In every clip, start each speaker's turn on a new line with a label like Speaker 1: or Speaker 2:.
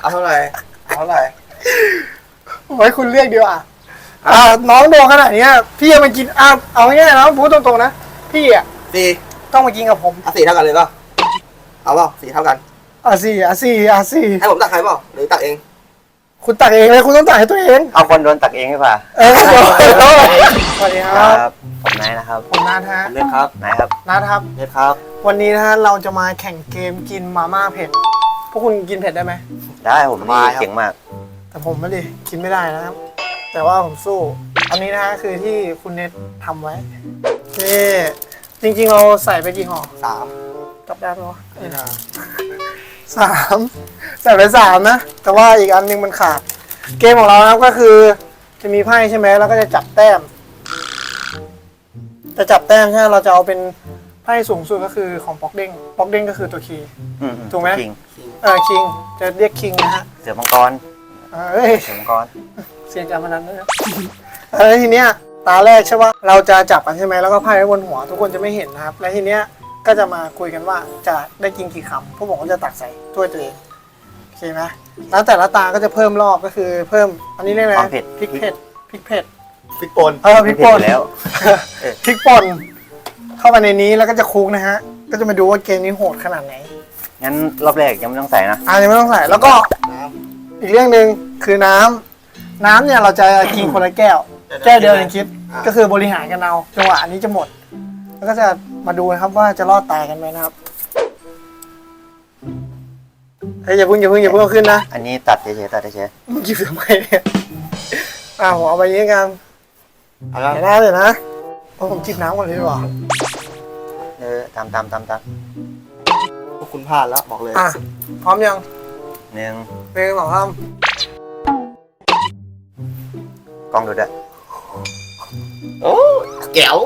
Speaker 1: เอาเท่าไหร่
Speaker 2: ไว้คุณเรียกดีกว่าน้องโดนขนาดนี้พี่จะมากินเอาง่ายๆนะพูดตรงๆนะพี่
Speaker 1: สี่
Speaker 2: ต้องมากินกับผม
Speaker 1: สี่เท่ากันเลยป่ะเอาเปล่าสี่เท่ากัน
Speaker 2: สี่
Speaker 1: ให้ผมตักให้เปล่าหรือตักเอง
Speaker 2: คุณตักเองเลยคุณต้องตักให้ตัวเอง
Speaker 3: เอาคนโดนตักเองหรือเปล่า
Speaker 2: สวัสดีครับ
Speaker 3: ผมนายนะครับ
Speaker 2: ผมนัทฮะ
Speaker 1: เล็กครับ
Speaker 3: นายครับ
Speaker 2: นัทครับ
Speaker 1: เล็กครับ
Speaker 2: วันนี้นะฮะเราจะมาแข่งเกมกินมาม่าเผ็ดพวกคุณกินเผ็ดได้ไหม
Speaker 3: ได้ผมนี่เก่งมาก
Speaker 2: แต่ผมไม่ดิกินไม่ได้นะครับแต่ว่าผมสู้อันนี้นะฮะคือที่คุณเน็ตทำไว้นี่จริงๆเราใส่ไปกี่ห่อ
Speaker 1: 3
Speaker 2: จับได้ไหมวะ3ใส่ไป3นะแต่ว่าอีกอันนึงมันขาดเกมของเรานะครับก็คือจะมีไพ่ใช่ไหมแล้วก็จะจับแต้มใช่เราจะเอาเป็นไพ่สูงสุดก็คือของป๊อกเด้งก็คือตัวคีย์ถูกไหม
Speaker 3: คิง
Speaker 2: จะเรียกคิงนะฮะ
Speaker 3: เสือมังกรเสือมังกร
Speaker 2: เสียงการพนันด้วยนะแล้วทีเนี้ยตาแรกใช่ปะเราจะจับกันใช่ไหมแล้วก็ไพ่ไว้บนหัวทุกคนจะไม่เห็นนะครับแล้วทีเนี้ยก็จะมาคุยกันว่าจะได้กินกี่คำพวกผมก็จะตักใส่ถ้วยตัวเองโอเคไหมแล้วแต่ละตาก็จะเพิ่มรอบก็คือเพิ่มอันนี้เรียกอะไรพริกเผ็ดพริกป่นพริกป่น
Speaker 3: แล้ว
Speaker 2: พริกป่นเข้าไปในนี้แล้วก็จะคลุกนะฮะก็จะมาดูว่าเกมนี้โหดขนาดไหน
Speaker 3: งั้นรอบแรกยังไม่ต้องใส่นะ
Speaker 2: ยังไม่ต้องใส่แล้วก็อีกเรื่องหนึ่งคือน้ำเนี่ยเราจะกินคนละแก้วเดียวในคลิปก็คือบริหารกันเอาจังหวะอันนี้จะหมดแล้วก็จะมาดูนะครับว่าจะรอดตายกันไหมนะครับอย่าเพิ่งเอาขึ้นนะ
Speaker 3: อันนี้ตัดเฉย
Speaker 2: มึงหยิบทำไมเนี่ยผมเอาไปนี้กันเดี๋ยวนะผมจิบน้ำก่อนเลยดีกว่า
Speaker 3: ตาม
Speaker 1: พวกคุณพลาดแล้วบอกเลย
Speaker 2: พร้อมยัง
Speaker 3: 1
Speaker 2: 2 3
Speaker 3: กล้องดูด้วย
Speaker 1: โอ้แก้ว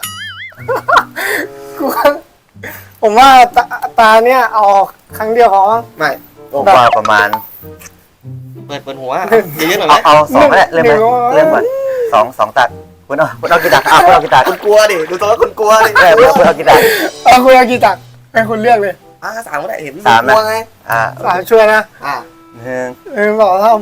Speaker 2: ผมว่าตาเนี่ยเอาครั้งเดียวพอ
Speaker 1: ไม่
Speaker 3: ว่าประมาณ
Speaker 1: เปิดหัวเยอะๆหน่อย
Speaker 3: เอา2ก็ได้เริ่มก่อน2ตัดคุณเอากี่ตักคุณเอากี่ตัก
Speaker 1: คุณกลัวดิดูตัวแล้วคุณกลัวดิ
Speaker 3: คุณเอากี่ตัก
Speaker 2: คุณเอากี่ตักให้คุณเลือกเลย
Speaker 1: 3ก็ได้เห็น
Speaker 3: 3นะ
Speaker 2: 3ช่วยนะ1 2 3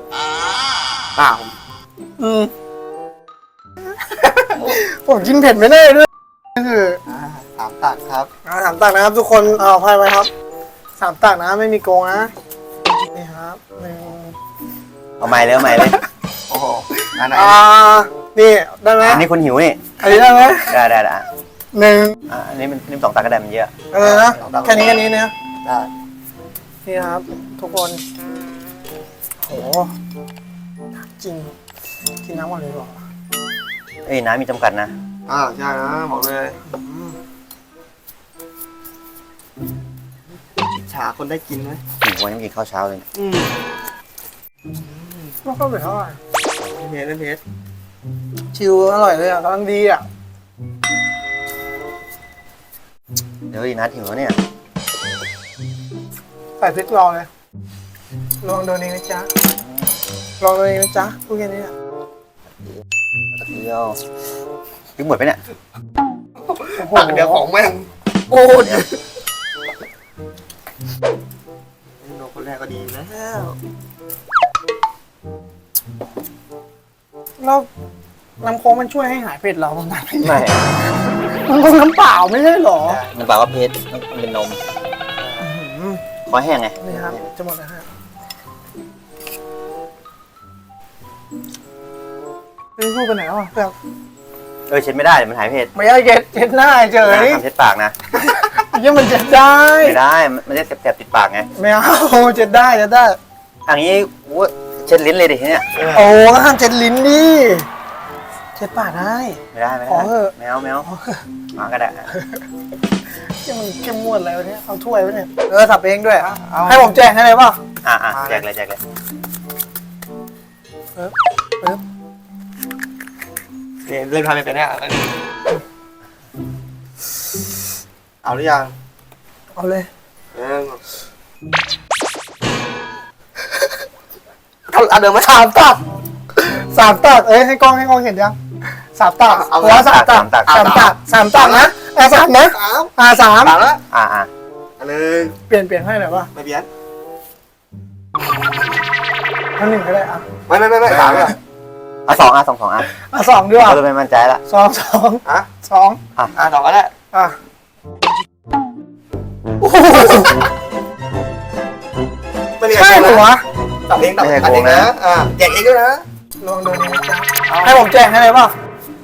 Speaker 2: ผมกินเผ็ดไม่ได้ด้วยคือ
Speaker 1: 3 ตักครับ
Speaker 2: 3 ตักนะครับทุกคนเอาไพ่ไว้ครับ3 ตักนะไม่มีโกงนะนี่ครับ
Speaker 3: เอาใหม่เลย
Speaker 1: โอ้โห
Speaker 2: นี่ได้ไหม
Speaker 3: อันนี้คุณหิวนี่
Speaker 2: อันนี้ได้ไหม
Speaker 3: ได้
Speaker 2: 1
Speaker 3: อันนี้มัน2 ตักก็ได้มันเยอะ
Speaker 2: นะแค่นี้เนี่ยได้นี่ครับทุกคนโหจริงกินน้ำก่อนเลยหรอ
Speaker 3: น้ำมีจำกัดนะ
Speaker 1: ใช่นะบอกเลยฉาคนได้กินไหม
Speaker 3: วันนี้กินข้าวเช้าเลย
Speaker 2: ก็เข้าไปเท่าไหร่
Speaker 1: เพชร
Speaker 2: ชิวอร่อยเลยกำลังดี
Speaker 3: เดี๋ยวนัดหิวแล้วเนี่ย
Speaker 2: ใส่พริกลองเลยลองโดนเองนะจ๊ะพูดแค่นี้
Speaker 3: ตะเกียบทิ้งหมดไปเนี่ย
Speaker 1: ตักเดี๋ยวของแม่งโอ้ยโดนคนแรกก็ดีแล้ว
Speaker 2: น้ำโค้งมันช่วยให้หายเผ็ดเราบ้างไหมไม่มันน้ำเปล่าไม่ใช่หรอ
Speaker 3: น้ำเปล่าก็เผ็ดมันเป็นนมคอแห้งไง
Speaker 2: นี่ครับจะหมดแล้วฮะพูดไปไหนวะเ
Speaker 3: เช็ดไม่ได้มันหายเผ็ด
Speaker 2: ไม่ได้เช็ดหน้าเจอนี่
Speaker 3: เช็ดปากนะ
Speaker 2: ยังมันเช็ดได้
Speaker 3: ไม่ได้มันจะแสบติดปากไง
Speaker 2: ไม่เอาเช็ดได้
Speaker 3: อันนี้เช็ดลิ้นเลยดิเนี่ย
Speaker 2: โอ้ห้ามเช็ดลิ้นดิเช็ดปากได้
Speaker 3: ไม่ได้
Speaker 2: ขอเถอะ
Speaker 3: แมวมาก็ได้
Speaker 2: ที่มันเข้มงวดอะไรวะเนี่ยเอาถ้วยไว้เนี่ยสับเองด้วยให้ผมแจกให้เลยป่ะ
Speaker 3: แจกเลย
Speaker 1: เล่นทำเป็นเนี่ยเอาหรือยัง
Speaker 2: เอาเลย
Speaker 1: เดินมา
Speaker 2: 3 ตักให้กล้องเห็นยัง3 ตักหัว3 ตักนะ3 นะ3แล้ว
Speaker 1: 1เป
Speaker 2: ลี่ยนให้หน่อยป่ะ
Speaker 1: ไม่เปลี่ยน
Speaker 2: เอา1ก็ได้อ่ะ
Speaker 1: ไม่สามอ่ะ
Speaker 3: เอาสองสองอ่ะ
Speaker 2: 2ดีกว่า
Speaker 3: เราจะไม่มั่นใจละ
Speaker 2: 2
Speaker 1: อ่ะ
Speaker 2: 2
Speaker 1: สองก็ได้
Speaker 2: อ่ะโอ้โห
Speaker 1: ไม่มี
Speaker 2: ใช่เหรอวะ
Speaker 1: ตัดเองนะแจกเองด้วยนะ
Speaker 2: ลองดูนะจ๊ะให้ผมแจ้งให้เลยเปล่า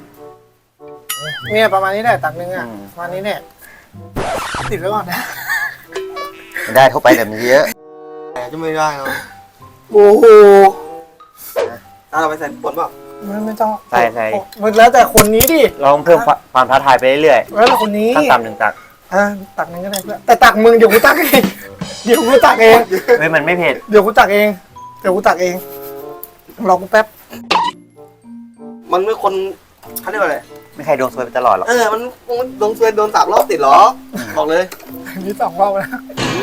Speaker 2: เนี่ยประมาณนี้แหละตักนึงอ่ะประมาณนี้เนี่ยติดไว้ก่อนนะ
Speaker 3: ไม่ได้เข้าไปแต่มันเยอะ
Speaker 1: แต่จะไม่ได้เนาะ
Speaker 2: โอ้โห
Speaker 1: เราไปใส่ผลเปล่า
Speaker 2: ไม่ต้อง
Speaker 3: ใส่ใส่
Speaker 2: มันแล้วแต่คนนี้ดิ
Speaker 3: ลองเพิ่มความท้าทายไปเรื่อย
Speaker 2: แล้วแต่คนนี้
Speaker 3: ๆขั้นต่ำหนึ่งตัก
Speaker 2: ตักนึงก็ได้เพื่อนแต่ตักมึงเดี๋ยวกูตักเองเดี๋ยวกูตักเอง
Speaker 3: เฮ้ยมันไม่เผ็ด
Speaker 2: เดี๋ยวกูตักเองรอกูแป๊บ
Speaker 1: มันไม่คนเขาเรียกว่าอะไร
Speaker 3: ไม่ใครดวงซวยไปตลอดหรอก
Speaker 1: มันโดนเซนโดน3 รอบติดหรอบอกเลย
Speaker 2: นี่2 รอบแล้ว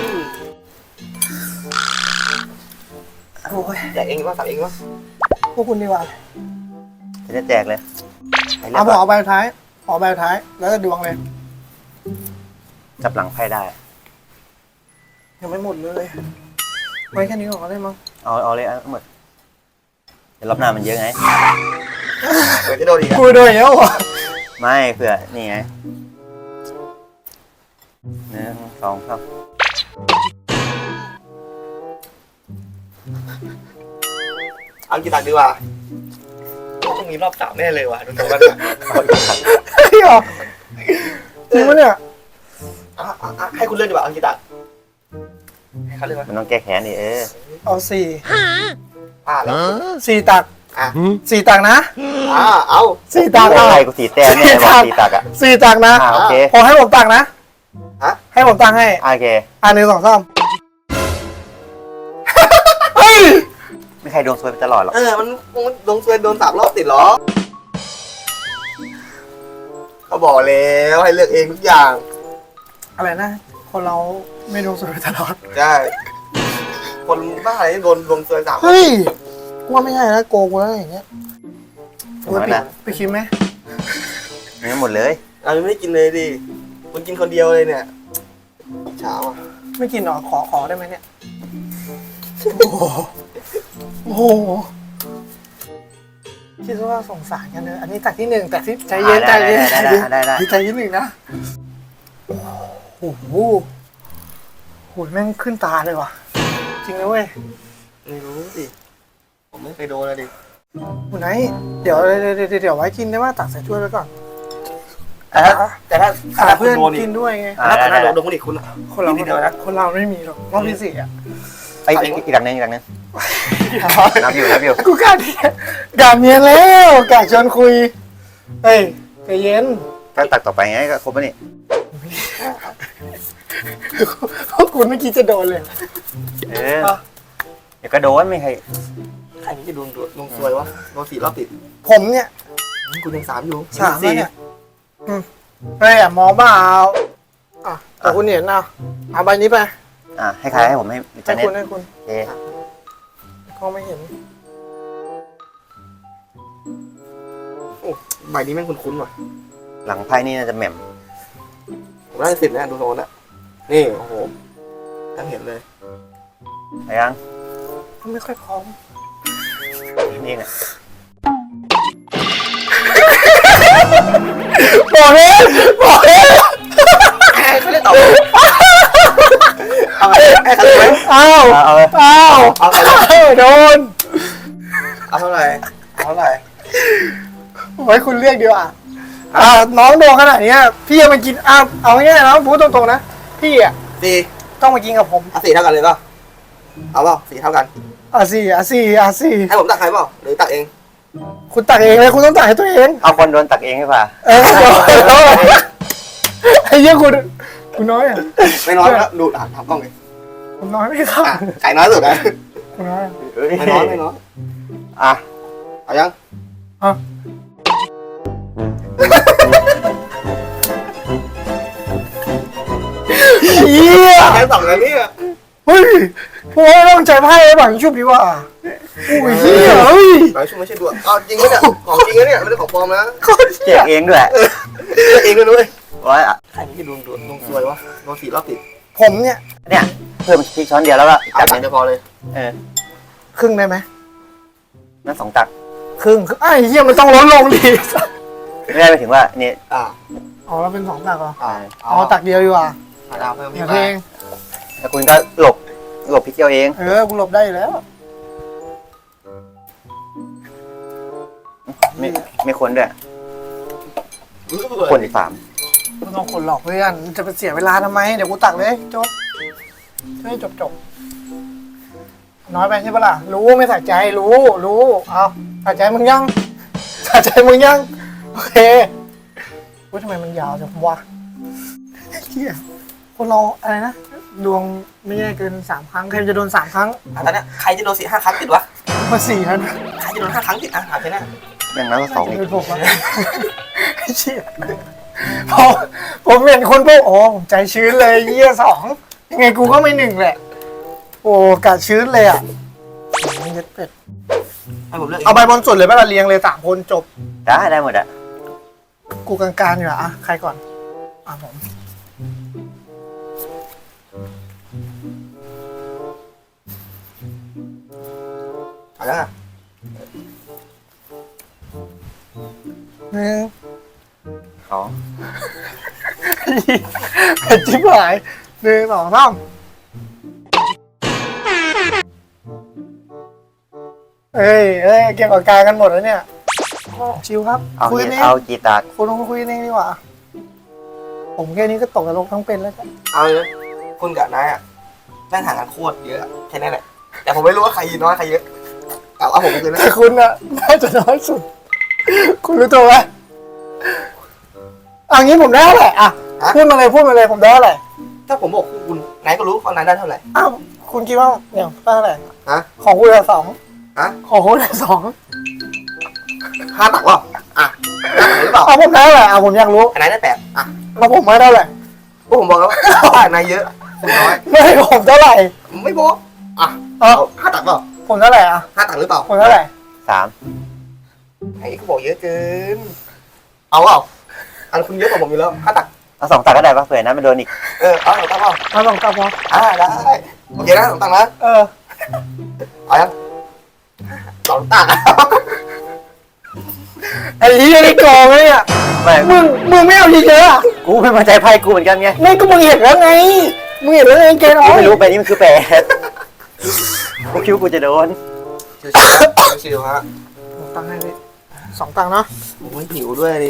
Speaker 2: โอ้ย
Speaker 1: แจกเองว่าตัดเองว่า
Speaker 2: พวกคุณดีกว่า
Speaker 3: จะแจกเลยให้เลื
Speaker 2: เอา
Speaker 3: อก
Speaker 2: ผม
Speaker 3: ก่อน
Speaker 2: เอาใบท้ายแล้วก็ดวงเลย
Speaker 3: จับหลังไพ่ได้
Speaker 2: ยังไม่หมดเลยไว้แค่นี้ก่อนก็ได้มั้ง
Speaker 3: เอาเลยเอาหมดเดี๋ยวรอบหน้ามันเยอะไง
Speaker 1: เดี๋ยวจะโดนอีก
Speaker 2: กูโดยแล้วเหรอ
Speaker 3: ไม่เผื่อนี่ไง1 2 3
Speaker 1: เอากี่ตักดีกว่าต้องมีรอบ3แน่เลยว่ะดูตรงกัน
Speaker 2: เฮ้ยเหรอจริงปะเนี่ย
Speaker 1: ให้คุณเลือกดีกว่าเอากี่ตักให้เขาเลือก
Speaker 3: มันต้องแก้แค้นดิ
Speaker 2: เอา
Speaker 1: แล้ว
Speaker 2: 4ตัก 4 ตักนะ
Speaker 1: เอา
Speaker 2: 4 ตัก
Speaker 3: โอ้
Speaker 2: เอา
Speaker 3: ยกูสีแต้มเนี่ยบอกสีตักอ่ะ
Speaker 2: 4 ตักนะ
Speaker 3: โอเค
Speaker 2: พอให้ผมตักนะให้ผมตักให้
Speaker 3: โอเค
Speaker 2: 1 2 3เฮ้ย
Speaker 3: ไม่ใครดวงซวยไปตลอดหรอก
Speaker 1: มันโดนเซนโดน3 รอบติดหรอเขาบอกแล้วให้เลือกเองทุกอย่าง
Speaker 2: อะไรนะคนเราไม่ดวงสวยตลอด
Speaker 1: ใช่คนบ้าอะไรโดนเซน3
Speaker 2: เฮ้ยกูว่าไม่ใช่นะโกงกูแล้วอย่างเงี้ย
Speaker 3: ถูกไหมนะ
Speaker 2: ไปคิดไหม
Speaker 3: ไม่หมดเลย
Speaker 1: เราไม่ได้กินเลยดิคุณกินคนเดียวเลยเนี่ยเช้าอ่ะ
Speaker 2: ไม่กินหรอขอได้ไหมเนี่ยโอ้โหคิดว่าสงสารกันเลยอันนี้ตักที่1แต่ที่ใจเย็นใจเย็น
Speaker 3: ได้
Speaker 2: ใจเย็น1นะโอ้โหแม่งขึ้นตาเลยว่ะจริงนะเว้ย
Speaker 1: ไม่รู้สิผมไม่เคยโดนเลยดิ
Speaker 2: คุณไนท์เดี๋ยวไว้กินได้ว่าตักใส่ถ้วยไว้ก่อน
Speaker 1: แต่ถ้า
Speaker 2: เพื่อนกินด้วยไง
Speaker 1: ถ้าโดนคนอีกคุณ
Speaker 2: คนเราไม่มีหรอกรอบที่4อ่ะ
Speaker 3: ไอ้อีกดังนึงนับอยู่
Speaker 2: กูกล้าเนียแล้วกล้าชวนคุยเฮ้ยใจเย็น
Speaker 3: ถ้าตักต่อไปไงก็ครบแล้วนี่
Speaker 2: พวกคุณเมื่อกี้จะโดนเลย
Speaker 3: เดี๋ยวก็โดนไม่ใคร
Speaker 1: ใครนี่จะโดนซวยวะโดน4 รอบติด
Speaker 2: ผมเนี่ย
Speaker 1: คุณยัง3อยู่
Speaker 2: 3แล้วเนี่ยเฮ้ยมองบ้าเอาแต่คุณเห็นเอาใบนี้ไป
Speaker 3: ให้ใครให้ผมให้จันเน็ต
Speaker 2: ให้คุณ
Speaker 3: เอ๊ะ
Speaker 2: เขาไม่เห็น
Speaker 1: ใบนี้แม่งคุ้นๆว่ะ
Speaker 3: หลังไพ่นี่น่าจะแหม่ม
Speaker 1: ผมได้10นะดูโซนอ่ะนี่โอ้โหทั้งเห็นเลย
Speaker 3: อะไรยัง
Speaker 2: เขาไม่ค่อยพร้อม
Speaker 3: นี่เนี่ย
Speaker 2: บอกเลย
Speaker 1: เขาเล่นต่อเอาไอ้เขาเลย
Speaker 2: เอาโดน
Speaker 1: เอาเท่าไหร่
Speaker 2: ไว้คุณเรียกดีกว่าน้องโดนขนาดนี้พี่จะมากินเอาง่ายๆนะพูดตรงๆนะพี่
Speaker 1: 4
Speaker 2: ต้องมากินกับผม
Speaker 1: 4เท่ากันเลยป่ะเอาเปล่า4เท่ากัน
Speaker 2: สี่
Speaker 1: ให้ผมตักให้เปล่าหรือตักเอง
Speaker 2: คุณตักเองเลยคุณต้องตักให้ตัวเอง
Speaker 3: เอาคนโดนตักเองให้ป่ะ
Speaker 2: ไอ้เยี่ยคุณน้อยอ่ะ
Speaker 1: ไม่น้อยแล้วดูถามกล้องเลย
Speaker 2: คุณน้อยไม่เข้า
Speaker 1: ไก่น้อยสุดนะ
Speaker 2: คุณน้อย
Speaker 1: ไม่น้อยเอายัง
Speaker 2: เยี่ย
Speaker 1: แค่2แล้วเนี่ย
Speaker 2: เฮ้ยพวกต้องใจไพ่ไว้บังชุบดีกว่าโอ้ยเยี่ยเฮ้ย
Speaker 1: หลายชั่วไม่ใช่ดูเอาจริงไหมเนี่ยของจริงนะเนี่ยไม่ได้ของปลอมนะ
Speaker 3: แจกเองด้วย
Speaker 1: เองด้วย
Speaker 3: ว่า
Speaker 1: ใครนี่จะโดนซวยวะโดน4 รอบติด
Speaker 2: ผมเนี่ย
Speaker 3: เพิ่มพริกช้อนเดียวแล้วก็
Speaker 1: จั
Speaker 3: จั
Speaker 1: บบ
Speaker 3: หนึ่ง
Speaker 1: จะพอเลย
Speaker 2: ครึ่งได้ไหม
Speaker 3: นั่น2 ตัก
Speaker 2: ครึ่งไอ้เหี้ยมันต้องลดลงดิ
Speaker 3: ไม่ได้ไปถึงว่านี่
Speaker 1: อ่า
Speaker 2: อ๋อแล้วเป็น2 ตักเหรอ
Speaker 1: อ่า
Speaker 2: อ๋อตักเดียวดีกว่า
Speaker 1: เอาเพิ่ม
Speaker 2: อ
Speaker 1: อี
Speaker 2: ย่าก เพลง
Speaker 3: แล้วคุณก็หลบพริกเจียวเอง
Speaker 2: กูหลบได้อยู่แล้ว
Speaker 3: ไม่คนด้วยคนอีก3
Speaker 2: ไม่ต้องคนหลอกเพื่อนจะไปเสียเวลาทำไมเดี๋ยวกูตักเลยจบให้จบน้อยไปใช่ปะล่ะรู้ไม่ใส่ใจรู้เอาใส่ใจมึงยังใส่ใจมึงยังโอเคว่าทำไมมันยาวจังวะเฮียคนเราอะไรนะดวงไม่แย่เกิน3 ครั้งใครจะโดน3 ครั้ง
Speaker 1: ตอนนี้ใครจะโดน4-5 ครั้งติดวะ
Speaker 2: มา4 ครั้ง
Speaker 1: ใครจะโดน5 ครั้งติดหาไปหน้า
Speaker 3: อย่างนั้นก็2อีก
Speaker 2: เป็นผมอะไอ้เชี่ยผมเห็นคนพวกโอ้ผมใจชื้นเลยเยี่ย2ยังไงกูก็ไม่1แหละโอ้กาดชื้นเลยอ่ะเย็ดเป็ด
Speaker 1: ให้ผมเลือก
Speaker 2: เอาใบบนสุดเลยไหมล่ะเรียงเลย3 คนจบ
Speaker 3: ได้หมดอะ
Speaker 2: กูกลางๆอยู่อ่ะใครก่อนผม
Speaker 1: เอาแล้ว
Speaker 2: หนึ่ง
Speaker 3: 2
Speaker 2: เป็นจิ๊บหาย1 2 3เอ้ยเก็บปากกากันหมดแล้วเนี่ยชิวครับ
Speaker 3: เอา
Speaker 2: คุย
Speaker 3: งี้
Speaker 2: กันเอง
Speaker 3: เอากี่ตัก
Speaker 2: คุณต้องคุยกันเองดีกว่าผมแค่นี้ก็ตกนรกทั้งเป็นแล้วจ้ะ
Speaker 1: เอาเลยคุณกับนายอ่ะแม่งห่างกันโคตรเยอะแค่นั้นแหละแต่ผมไม่รู้ว่าใครน้อยใครเยอะเอาผมไปเลยนะ
Speaker 2: แต่คุณอะน่าจะน้อยสุด คุณรู้ตัวไหมงี้ผมได้เท่าไหร่อ่ะพูดมาเลยผมได้เท่าไหร่
Speaker 1: ถ้าผมบอกคุณนายก็รู้ว่านายได้เท่าไหร่
Speaker 2: อ้าวคุณคิดว่าเนี่ยได้เท่าไหร่
Speaker 1: ฮะ
Speaker 2: ของคุณได้2
Speaker 1: ฮะ
Speaker 2: ของคุณได้2
Speaker 1: 5 ตักวะอ่ะ5 ตักหรือเปล่า
Speaker 2: ผมได้เท่าไหร่ผมอยากรู้
Speaker 1: นายได้8อ่ะ
Speaker 2: แล้วผมไม่เท่าไหร่
Speaker 1: พวกผมบอกแล้วว่านายเยอะคุณน้อย
Speaker 2: ไม่ผมเท่าไหร่
Speaker 1: ไม่บอกอ่ะ
Speaker 2: เอา
Speaker 1: เอา5 ตักเปล่า
Speaker 2: ผมเท่าไหร่อ่ะ
Speaker 1: 5 ตักหรือเปล่า
Speaker 2: ผมเท่าไหร่
Speaker 3: 3
Speaker 1: ไอ้ก็บอกเยอะเกินเอาเปล่าอันคุณเยอะกว่าผมอยู่แล้ว5 ตัก
Speaker 3: เอา2 ตักก็ได้ปะเผื่อนะมันโดนอีก
Speaker 1: เอา2 ตักเปล่า
Speaker 2: เอา2 ตักพอ
Speaker 1: ได้โอเคนะ2 ตักนะ เอายัง2 ตัก
Speaker 2: ไอ้ที่ได้โกงเนี่ย
Speaker 3: ไม่
Speaker 2: มึงไม่เอาเยอะๆอ่ะ
Speaker 3: กูไม่มาใจไพ่กูเหมือนกันไง
Speaker 2: ไม่ก็มึงเห็นแล้วไงมึงเห็นแล้วไงเกณฑ์
Speaker 3: กู
Speaker 2: เอา
Speaker 3: ไม่รู้ไปนี่มันคือ8กูคิดว่ากูจะโดน
Speaker 1: ชิวๆฮะ
Speaker 2: ตังค์ให้พี่2 ตังค์เนาะ
Speaker 1: ผมไม่หิวด้วยดิ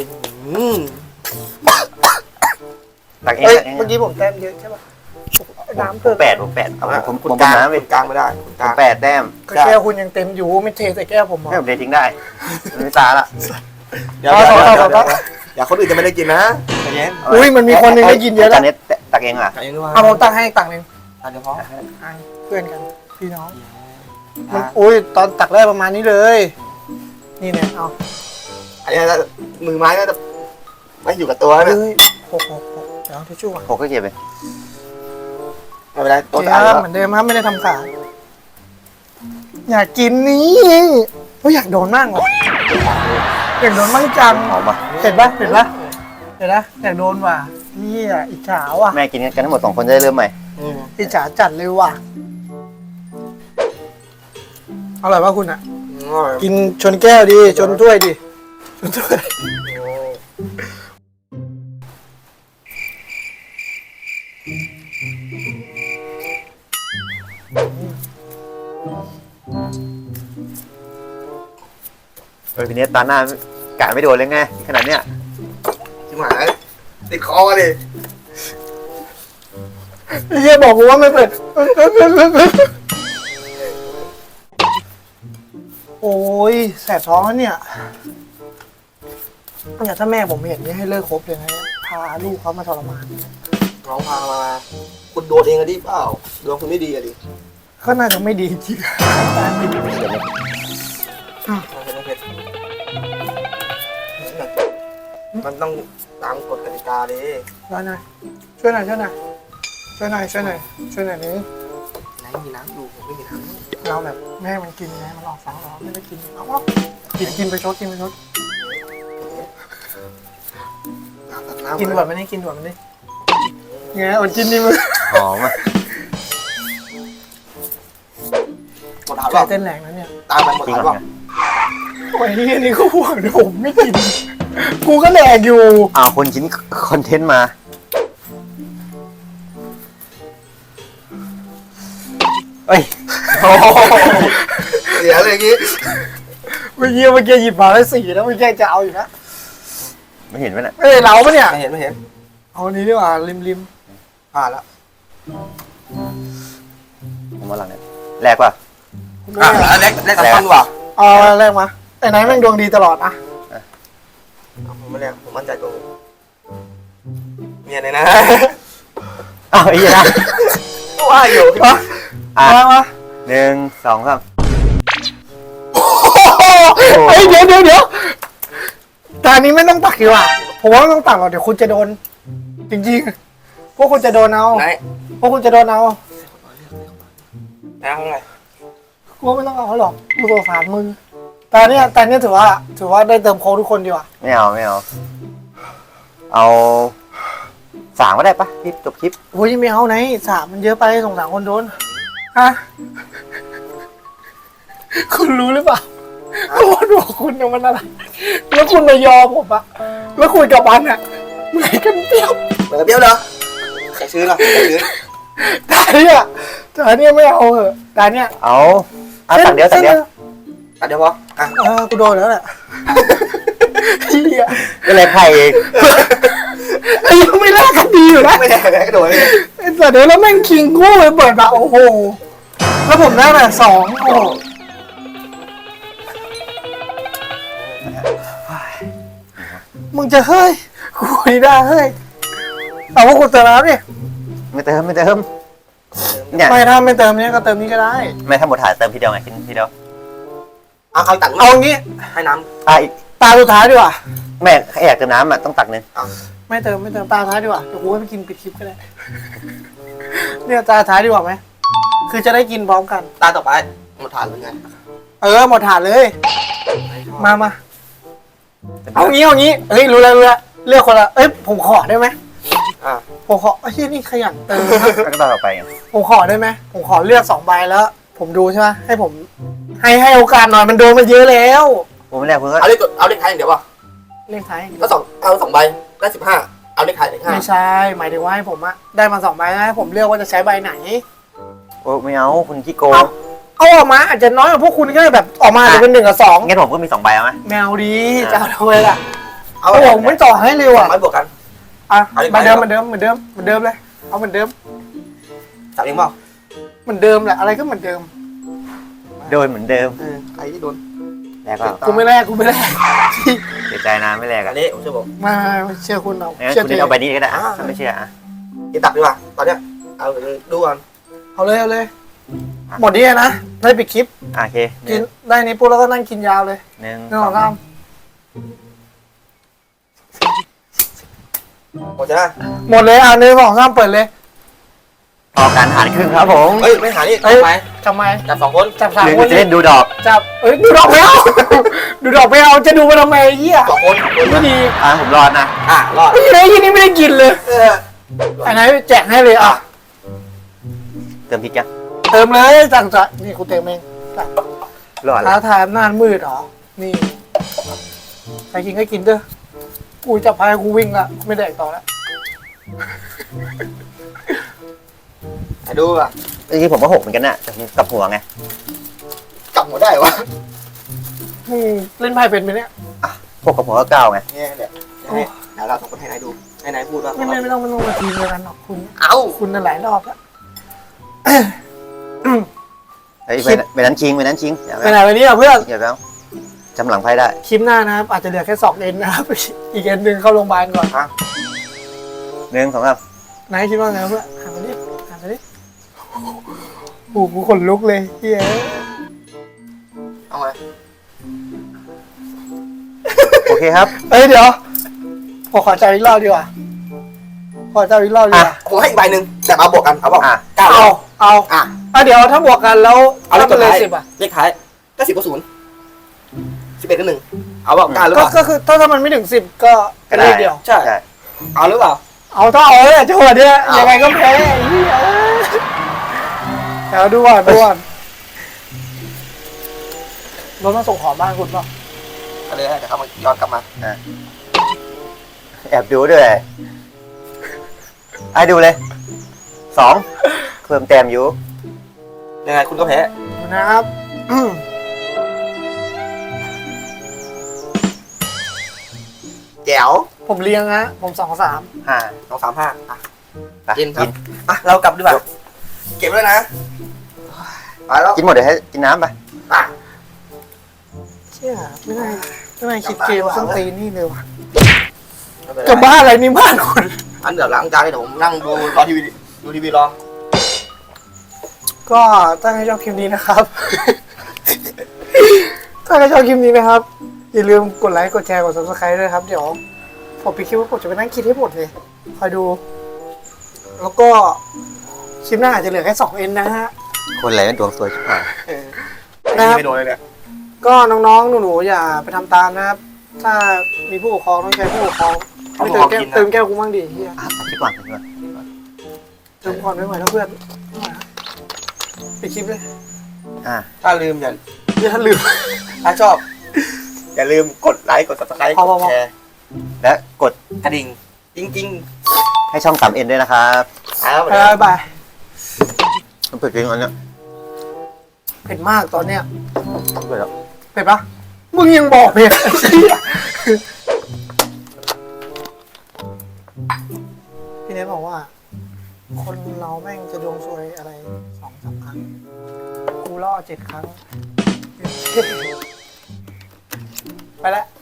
Speaker 3: ตักเอง
Speaker 2: เอ้ย
Speaker 3: ตักเอง
Speaker 2: เมื่อกี้ผมแต้มเยอะใช่ป่ะน้ำเพิ่ม
Speaker 3: ผม8เอาผม
Speaker 1: คุณ
Speaker 3: ผม
Speaker 1: กลาง
Speaker 3: น้ำไป
Speaker 1: คุณกลางไม่ได้คุณกลาง
Speaker 3: 8 แต้ม
Speaker 2: ก็แก้วคุณยังเต็มอยู่ไม่เทใส่แก้วผมหรอ
Speaker 3: ให้ผมเดททิ้งได้ไม่ตาละ
Speaker 1: เดี๋ยวอย่าคนอื่นจะไม่ได้กินนะใจเย็น
Speaker 2: อุ้ยมันมีคนหนึงได้กินเยอะ
Speaker 3: จา
Speaker 2: แล้ว
Speaker 3: นนี้ตักเองอ่ะ
Speaker 1: ใจเย็นด้วย
Speaker 2: เอาผมตังค์ให้อีกตังค์หนึง
Speaker 1: ตักเฉพาะ
Speaker 2: เพื่อนกันพี่น้องมันอุ้ยตอนตักแรกประมาณนี้เลย นี่เนี่ยเอา
Speaker 1: อันนี้มือไม้ก็จะไม่อยู่กับตัว
Speaker 2: เฮ้
Speaker 1: นะ
Speaker 2: ยหกเดี๋ยวเอาทิชชู่ก่อน
Speaker 3: 6ก็เก็บไป
Speaker 1: ไม่เป็นไรตัว
Speaker 2: เจ๊
Speaker 1: ตาย
Speaker 2: ครับเหมือนเดิมครับไม่ได้ทำขายอยากกินนี่อยากโดนมากว่ะอยากโดนมั่งจัง
Speaker 3: หอมอ่ะ
Speaker 2: เห็นปะเห็นนะอยากโดนว่ะนี่อ่ะอิจฉาว่ะ
Speaker 3: แม่กินกันทั้งหมด2 คนจะได้เริ่มใหม่
Speaker 2: อิจฉาจัดเลยว่ะอร่อยป่ะคุณอ่ะ กินชนแก้วดีชนถ้วยดีชนถ้วย
Speaker 3: ทีนี้ตาหน้ากะไม่โดนเลยไงขนาดเนี้ย
Speaker 1: ชิบหายติดคอเลย
Speaker 2: เฮียบอกกูว่าไม่เป็นโอ้ยแสบท้องแล้วเนี่ยถ้าแม่ผมเห็นนี่ให้เลิกคบเลยนะพาลูกเขามาทรมาน
Speaker 1: น้องพามาคุณโดนเองอะดิเปล่าดวงคุณไม่ดีอะดิ
Speaker 2: ก็น่าจะไม่ดีจริง
Speaker 1: มันต้องตามกฎกติกาดิ
Speaker 2: ช่วยหน่อยช่วยหน่อยนี่
Speaker 1: ไหนมีน้ำอยู่ผมไม่มีน้ำ
Speaker 2: เราแบบแม่ให้มันกินไงมันหลอกฟังเราไม่ได้กินเอาวะกินไปชดกินด่วนมันนี่กินด่วนมันนี่ไงอดกินดิมึง
Speaker 3: หอมอ่ะ
Speaker 1: หมดถาม
Speaker 2: ใจ
Speaker 1: ว่า
Speaker 2: เต้นแรงแล้วเนี่ย
Speaker 1: ตามไปหมด
Speaker 3: จริง
Speaker 1: ถาม
Speaker 3: เหรอ
Speaker 1: ว่า
Speaker 3: เนี่ย
Speaker 2: โอ้ยนี่นี่ก็ห่วงนะผมไม่กิน กูก็แดกอยู่
Speaker 3: อ้าวคนชิ้นคอนเทนต์มาเอ้ย
Speaker 1: เสียเลยอย่างงี้
Speaker 2: เมื่อกี้หยิบมาแล้ว4แล้วเมื่อกี้จะเอาอยู่นะ
Speaker 3: ไม่เห็นไหมน่ะ
Speaker 2: เอ้ยเราปะเนี่ย
Speaker 1: ไม่เห็นไม่เห็น
Speaker 2: เอาอันนี้ดีกว่าริม
Speaker 1: ผ่านแล้ว
Speaker 3: ผมว่าหลังเนี่ยแรกป่ะ
Speaker 2: ๆ
Speaker 1: อ่ะแล้วแรกกับต้นว่ะ
Speaker 2: เอาแรกมาไอ้ไหนแม่งดวงดีตลอดอะ
Speaker 1: ผมไม่แรกผมมั่นใจตัวผมเมียเลยนะ
Speaker 3: อ้าวไอ้เหี้ยนะ
Speaker 1: ว่าอยู่
Speaker 2: มา
Speaker 3: อ่ะ
Speaker 2: มา
Speaker 3: 1 2 3
Speaker 2: เฮ้ยเดี๋ยวตอนนี้ไม่ต้องตักดีกว่าผมว่าไม่ต้องตักหรอกเดี๋ยวคุณจะโดน จริงๆพวกคุณจะโดนเอา
Speaker 1: ไหน
Speaker 2: พวกคุณจะโดนเอา
Speaker 1: ไหนข้างใน
Speaker 2: กูว่าไม่ต้องเอาหรอกดูตัวฝามือแต่เนี้ยถือว่าได้เติมโค้ดทุกคนดีกว่า
Speaker 3: ไม่เอาเอา3ก็ได้ปะคลิปจบคลิป
Speaker 2: โอ้ยไม่เอาไหน3มันเยอะไปสงสารคนโดนฮะคุณรู้หรือเปล่าว่าดวงคุณเนี่ยมันอะไรแล้วคุณมายอมผมอะแล้วคุยกับมันอะเหมือนกันเปรี้ยว
Speaker 1: เหมือนกับเบี้ยวเหรอใครซื้อเหรอใครซื้อ
Speaker 2: แต่เนี่ยไม่เอาเหอะแต่เนี่ย
Speaker 3: เอาตักเดียว
Speaker 1: อ่ะเดี๋ยวพออ่ะ
Speaker 2: กูโดนแล้วแหละเฮีย
Speaker 3: ก็เลยไพ่เอง
Speaker 2: ไอ้ยังไม่แลกกันดีอยู่นะ
Speaker 1: ไม่ได้ไม่ได้กระโดดเลย
Speaker 2: ไอ้สัตว์เดี๋ยวแล้วแม่งคิงคู่ไปเปิดมาโอ้โหแล้วผมได้แบบ2โอ้โหมึงจะเฮ้ยกูไม่ได้เฮ้ยเอาว่ากูเติมแล้วดิ
Speaker 3: ไม่เติมเนี่ย
Speaker 2: ไม่ถ้าไม่เติมเนี้ยก็เติมนี้ก็ได้
Speaker 3: ไม่ถ้าหมดถ่ายเติมทีเดียวไงกินทีเดียว
Speaker 1: เอาตัก
Speaker 2: เอางี้
Speaker 1: ให้น้
Speaker 3: อีก
Speaker 2: ตาสุดท้ายดีกว่า
Speaker 3: แม่อยากเติมน้ำอ่ะต้องตักนึง
Speaker 2: ไม่เติมตาสุดท้ายดีกว่าเดี๋ยวกูไปกินปิดคลิปก็ได้เนี่ยตาสุดท้ายดีกว่าไหมคือจะได้กินพร้อมกัน
Speaker 1: ำตาต่อไปหมดฐานหรือไง
Speaker 2: หมดถาดเลยมาเอางี้เอ้ยรู้แล้วเลือกคนละเอ้ยผมขอได้ไหม
Speaker 1: อ่ะ
Speaker 2: ผมขอไอ้ที่นี่ขยันเติมนะ
Speaker 3: แล้วก็ต่อไปไง
Speaker 2: ผมขอได้ไหมผมขอเลือก2 ใบแล้ว ผมดูใช่ไหมให้ผมให้โอกาสหน่อยมันโดนมาเยอะแล้ว
Speaker 3: ผมไม่แรกคุณก็
Speaker 1: เอาเลขท้ายอย่างเดียวป่ะ
Speaker 2: เลขท้าย
Speaker 1: ก็เอา2ใบได้15เอาเลขท้ายเลข
Speaker 2: ไม่ใช่หมายถึงว่าให้ผมอะได้มา2 ใบแล้วให้ผมเลือกว่าจะใช้ใบไหน
Speaker 3: โอ้ไม่เอาคุณขี้โกง
Speaker 2: เอาออกมาอาจจะน้อยกว่าพวกคุณก็ได้แบบออกมาจะเป็น1 กับ 2
Speaker 3: งั้นผมก็มี2 ใบเอาไหม
Speaker 2: แมวดีจะเอาทำไมล่ะ
Speaker 1: เอา
Speaker 2: โอ้ผมไม่ต่อให้เร็ว
Speaker 1: 2
Speaker 2: อ่ะ
Speaker 1: ใบบวกกัน
Speaker 2: อ่ะ
Speaker 1: เอาอีก
Speaker 2: เหมือนเดิม
Speaker 1: ใบ
Speaker 2: เหมือนเดิมเลยเอาเหมือนเดิม
Speaker 1: จับเองเปล่า
Speaker 2: เหมือนเดิมแหละอะไรก็เหมือนเดิม
Speaker 3: โดยเหมือนเดิม
Speaker 1: ใครที่โดน
Speaker 3: แรกก็
Speaker 2: กูไม่แลก
Speaker 3: เสียใจนะไม่แรก
Speaker 1: อั
Speaker 3: อ่ะ
Speaker 1: นนี้ผมเชื่อผม
Speaker 2: มาเชื่อคุณเอา
Speaker 3: งั้น
Speaker 2: เชื่อ
Speaker 3: คุณ
Speaker 2: เจ๊
Speaker 3: เอาใบนี้ก็ได้ถ้าไม่เชื่ออ่ะ
Speaker 1: กินตักดีกว่าตอนเนี้ยเอาดูก่อน
Speaker 2: เอาเลยหมดนี้นะได้ปิดคลิป
Speaker 3: โอเค
Speaker 2: กินได้นี้ปุ๊บแล้วก็นั่งกินยาวเลย
Speaker 3: 1
Speaker 2: 1 2 3
Speaker 1: หมดใช่ไหม
Speaker 2: หมดเลย1 2 3เปิดเลย
Speaker 3: ต่อการหารครึ่งครับผม
Speaker 1: เฮ้ยไม่หานี่
Speaker 2: เฮ้ย
Speaker 1: ทำไม
Speaker 2: ทำไม
Speaker 1: จับ2 คน
Speaker 2: จับ
Speaker 3: หรือ
Speaker 2: 3 ค
Speaker 3: คุ
Speaker 2: น
Speaker 3: ณจะเล่นดูดอก
Speaker 2: จับดูดอกไม่เอา ดูดอกไม่เอาจะดูมาทำไมเหี้ย
Speaker 1: 2 คน
Speaker 2: ไม่ดี
Speaker 3: ผมรอดนะ
Speaker 1: รอด
Speaker 2: ไม่ได้ยินนี่ไม่ได้กินเลย อันไหนแจกให้เลยอ่ะ
Speaker 3: เติมพริกยัง
Speaker 2: เติมเลยสั่งจะนี่กูเติมเอง
Speaker 3: รอดแล้
Speaker 2: ท้าว ทายอำนาจมืดเหรอ นี่ใครกินก็กินเด้อ กูจับพายกูวิ่งละไม่แดกต่อแล้ว
Speaker 1: ดูอ่ะ
Speaker 3: จริงๆผมก็6เหมือนกันน่ะแต่ผมกลับหัวไง
Speaker 1: จับหมดได้วะ
Speaker 2: เล่นไพ่เป็นไหมเนี่ย
Speaker 3: 6กับหัวก็9ไง
Speaker 1: เนี่ยเดี๋ยวเรา2 คนให้นายดูให้นายพูดว่า
Speaker 2: ไม่ต้องมาทีมเดียวกันหรอกคุณ
Speaker 1: เอ้า
Speaker 2: คุณน่ะหลายรอบแล้ว
Speaker 3: เฮ้ยไปนั้นชิงอย่า
Speaker 2: ไปไหนวันนี้อ่ะเพื่อน
Speaker 3: อย่าแล้วจำหลังไพ่ได้
Speaker 2: คลิปหน้านะครับอาจจะเหลือแค่2 เอ็นนะครับ อีกเอ็นหนึ่งเข้าโรงพยาบาลก่อน
Speaker 3: 1 2 3
Speaker 2: ไหนคิดว่าไงเพื่อนหามาดิโอ้โหกูขนลุกเลยเฮ้ย
Speaker 1: เอาไง
Speaker 3: โอเคครับ
Speaker 2: เอ้ยเดี๋ยวผมขอจับอีกรอบดีกว่าขอจับอีกรอบดีกว่า
Speaker 1: ผมให้อีกใบหนึ่งแต่มาบวกกันเอาเปล่า
Speaker 2: เอา
Speaker 1: อ่ะ
Speaker 2: เดี๋ยวถ้าบวกกันแล้ว
Speaker 1: เอาเลข
Speaker 2: ถ้าเป็นเลย
Speaker 1: ท้าย
Speaker 2: 10อ่ะ
Speaker 1: เลขท้ายก็10 กับ 0 11 กับ 1เอาเปล่าหรือเปล่า
Speaker 2: ก็คือถ้ามันไม่ถึง10ก็เป็นเลขเดียว
Speaker 1: ใช่เอาหรือเปล่า
Speaker 2: เอาถ้าเอาเนี่ยจังหวะเนี้ย
Speaker 1: เอายั
Speaker 2: ยังไงก็แพ้ไอ้เหี้ยเดี๋ยวดูก่อนรถมาส่งของบ้านคุณเปล่า
Speaker 1: ก็เลยเดี๋ยวเขามาย้อนกลับมา
Speaker 3: แอบดูด้วยไอ้ดูเลย2เพิ่มแต้มอยู่
Speaker 1: ยังไงคุณก็แพ้
Speaker 2: ดูนะครับ
Speaker 1: แจ๋ว
Speaker 2: ผมเลี้ยงฮะผม2-3
Speaker 3: 5
Speaker 1: 2 3 5อ่ะ
Speaker 3: ไป
Speaker 1: กินครับอ่ะเรากลับดีกว่าเก็บไว้นะไปแล้ว
Speaker 3: กินหมดเดี๋ยวให้กินน้ำไป
Speaker 1: อ่ะ
Speaker 2: เชี่ยไม่ได้คิดเกมส้นตีนนี่เลยว่ะ
Speaker 1: ไม่เป็นไร
Speaker 2: จะบ้าอะไรนี่บ้านคุณ
Speaker 1: อันเดี๋ยวล้างจานให้เดี๋ยวผมนั่งดูรอทีวีดูทีวีรอ
Speaker 2: ก็ถ้าใครชอบคลิปนี้นะครับ ถ้าใครชอบคลิปนี้นะครับ อย่าลืมกดไลค์กดแชร์กด subscribe ด้วยครับ เดี๋ยวผมไปคิดว่าผมจะไปนั่งคิดให้หมดเลยคอยดู แล้วก็คลิปหน้าอาจจะเหลือแค่2 N นะฮะ
Speaker 3: คนอะไรเป็นดวงสวยชิบหาย
Speaker 2: นะครับ
Speaker 1: ไม่โดนเลยเนี่ย
Speaker 2: ก็น้องๆหนูๆอย่าไปทำตามนะครับ ถ้ามีผู้ปกครองต้องใช้ผู้ปกครองไม่เติมแก้วกูมั่งดิเฮีย
Speaker 3: คลิปก่อนคลิปก่อน
Speaker 2: เติมก่อนไม่ไหวแล้วเพื่อนไม่ไหวแล้วปิดคลิปเลย
Speaker 1: ถ้าลืมอย่า
Speaker 2: ลืม
Speaker 1: ถ้าชอบ อย่าลืมกดไลค์กด subscribe
Speaker 2: พอ
Speaker 1: กดแชร์
Speaker 3: และกด
Speaker 1: กระดิ่งจริง
Speaker 3: ให้ช่อง 3N ด้วยนะครับ
Speaker 1: ๆเอาไป
Speaker 2: บ๊ายบาย
Speaker 3: มันเปิดจริงอันเนี้ย
Speaker 2: เผ็ดมากตอนเนี้ย
Speaker 3: เปิดแล้ว
Speaker 2: เผ็ดปะมึงยังบอกเผ็ดไอ้เหี้ยพี่เนทบอกว่า คนเราแม่งจะดวงซวยอะไร2-3 ครั้ง กูล่อ7 ครั้ง ไปแล้ว